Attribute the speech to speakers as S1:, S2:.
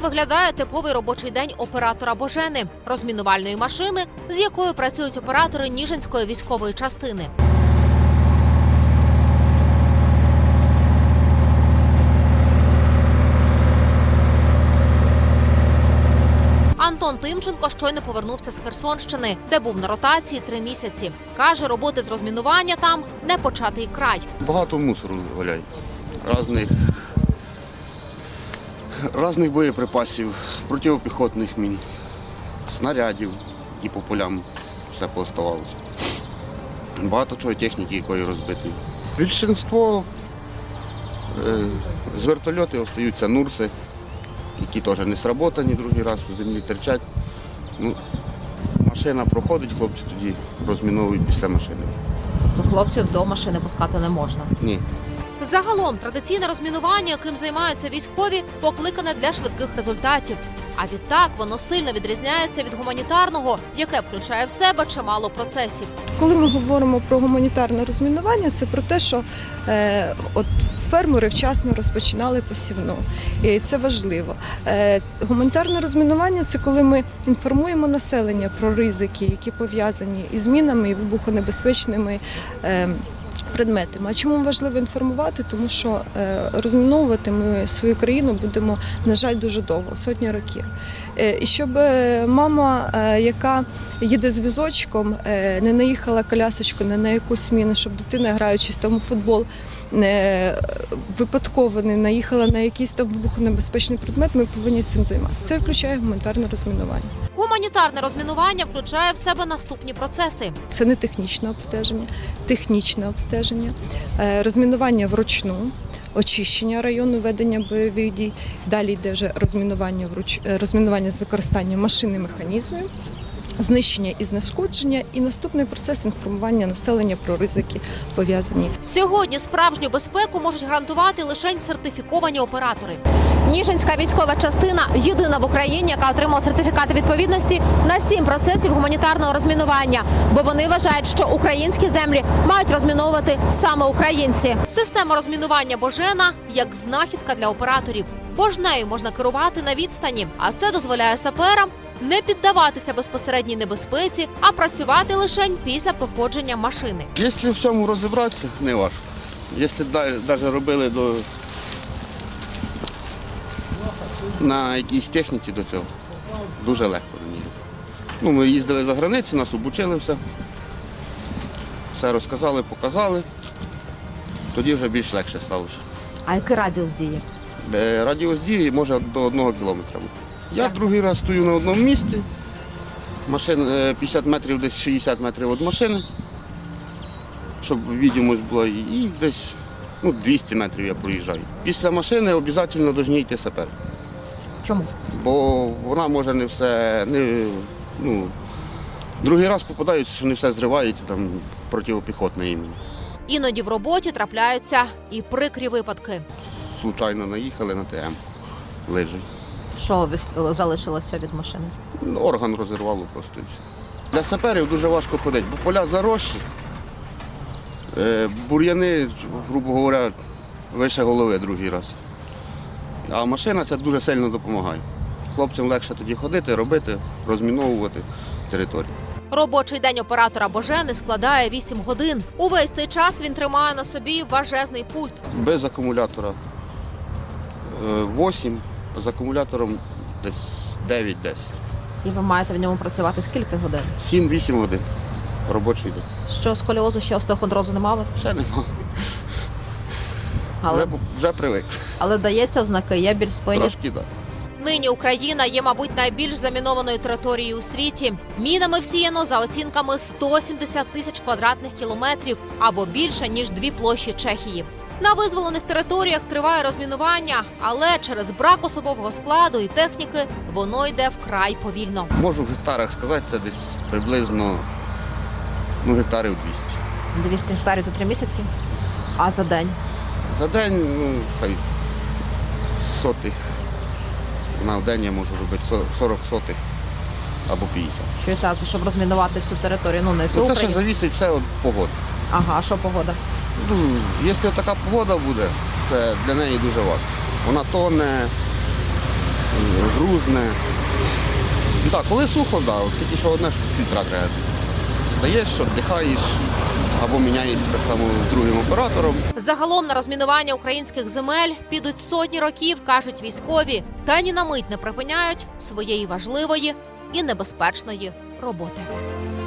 S1: виглядає типовий робочий день оператора Божени – розмінувальної машини, з якою працюють оператори Ніжинської військової частини. Антон Тимченко щойно повернувся з Херсонщини, де був на ротації 3 місяці. Каже, роботи з розмінування там – не початий край.
S2: Багато мусору валяється, різних боєприпасів, протипіхотних мін, снарядів, які по полям все пооставалося. Багато чого техніки, якої розбитої. Більшинство з вертольотів остаються нурси, які теж не сработані, другий раз в землі терчать. Машина проходить, хлопці тоді розміновують після машини.
S1: Тобто хлопців до машини пускати не можна?
S2: Ні.
S1: Загалом, традиційне розмінування, яким займаються військові, покликане для швидких результатів. А відтак воно сильно відрізняється від гуманітарного, яке включає в себе чимало процесів.
S3: Коли ми говоримо про гуманітарне розмінування, це про те, що фермери вчасно розпочинали посівну. І це важливо. Гуманітарне розмінування – це коли ми інформуємо населення про ризики, які пов'язані із мінами і вибухонебезпечними предметами. А чому важливо інформувати? Тому що розміновувати ми свою країну будемо, на жаль, дуже довго, сотні років. І щоб мама, яка їде з візочком, не наїхала колясочку не на якусь міну, щоб дитина, граючись там у футбол, випадково не наїхала на якийсь там вибухонебезпечний предмет, ми повинні цим займатися. Це включає гуманітарне розмінування.
S1: Гуманітарне розмінування включає в себе наступні процеси.
S3: Це не технічне обстеження, розмінування вручну, очищення району, ведення бойових дій. Далі йде вже розмінування з використанням машин і механізмів, знищення і знешкодження, і наступний процес інформування населення про ризики пов'язані.
S1: Сьогодні справжню безпеку можуть гарантувати лише сертифіковані оператори. Ніжинська військова частина – єдина в Україні, яка отримала сертифікати відповідності на 7 процесів гуманітарного розмінування, бо вони вважають, що українські землі мають розміновувати саме українці. Система розмінування Божена – як знахідка для операторів, бо ж нею можна керувати на відстані, а це дозволяє саперам не піддаватися безпосередній небезпеці, а працювати лише після проходження машини.
S2: Якщо в цьому розібратися, не важко. Якщо навіть робили на якійсь техніці до цього, дуже легко до нього. Ми їздили за границю, нас обучили все розказали, показали, тоді вже більш легше стало.
S1: А який радіус дії?
S2: Радіус дії може до 1 кілометра. Я другий раз стою на одному місці, 50 метрів, десь 60 метрів від машини, щоб відомість була, і десь 200 метрів я проїжджаю. Після машини обов'язково повинні йти сапер.
S1: Чому?
S2: Бо вона може не все, другий раз попадаються, що не все зривається, там протипіхотне імені.
S1: Іноді в роботі трапляються і прикрі випадки.
S2: Случайно наїхали на ТМ, лижі.
S1: Що залишилося від машини?
S2: Орган розірвало просто. Для саперів дуже важко ходити, бо поля заросші, бур'яни, грубо говоря, вище голови другий раз. А машина це дуже сильно допомагає. Хлопцям легше тоді ходити, робити, розміновувати територію. Робочий день оператора Божени складає 8 годин. Увесь цей час він тримає на собі важезний пульт. Без акумулятора 8, з акумулятором десь 9-10.
S1: І ви маєте в ньому працювати скільки годин?
S2: 7-8 годин робочий день.
S1: Що, сколіозу, ще остеохондрозу нема у вас?
S2: Ще нема.
S1: Але...
S2: Вже привик.
S1: Але дається ознаки, є біль в спині?
S2: Трошки, так.
S1: Нині Україна є, мабуть, найбільш замінованою територією у світі. Мінами всіяно за оцінками 170 тисяч квадратних кілометрів або більше, ніж 2 площі Чехії. На визволених територіях триває розмінування, але через брак особового складу і техніки воно йде вкрай повільно. Можу в гектарах сказати, це десь приблизно гектарів 200. 200 гектарів за 3 місяці? А за день?
S2: За день, хай сотих. На день я можу робити 40 сотих або 50.
S1: Що це, щоб розмінувати всю територію? Не всю
S2: Це
S1: Україну?
S2: ще залежить все від погоди.
S1: Ага, а що погода?
S2: Якщо така погода буде, це для неї дуже важко. Вона тоне, грузне. Ну, так, коли сухо, да, от тільки що одне, що фільтра треба. Стаєш, віддихаєш, або міняєшся так само з другим оператором.
S1: Загалом на розмінування українських земель підуть сотні років, кажуть військові, та ні на мить не припиняють своєї важливої і небезпечної роботи.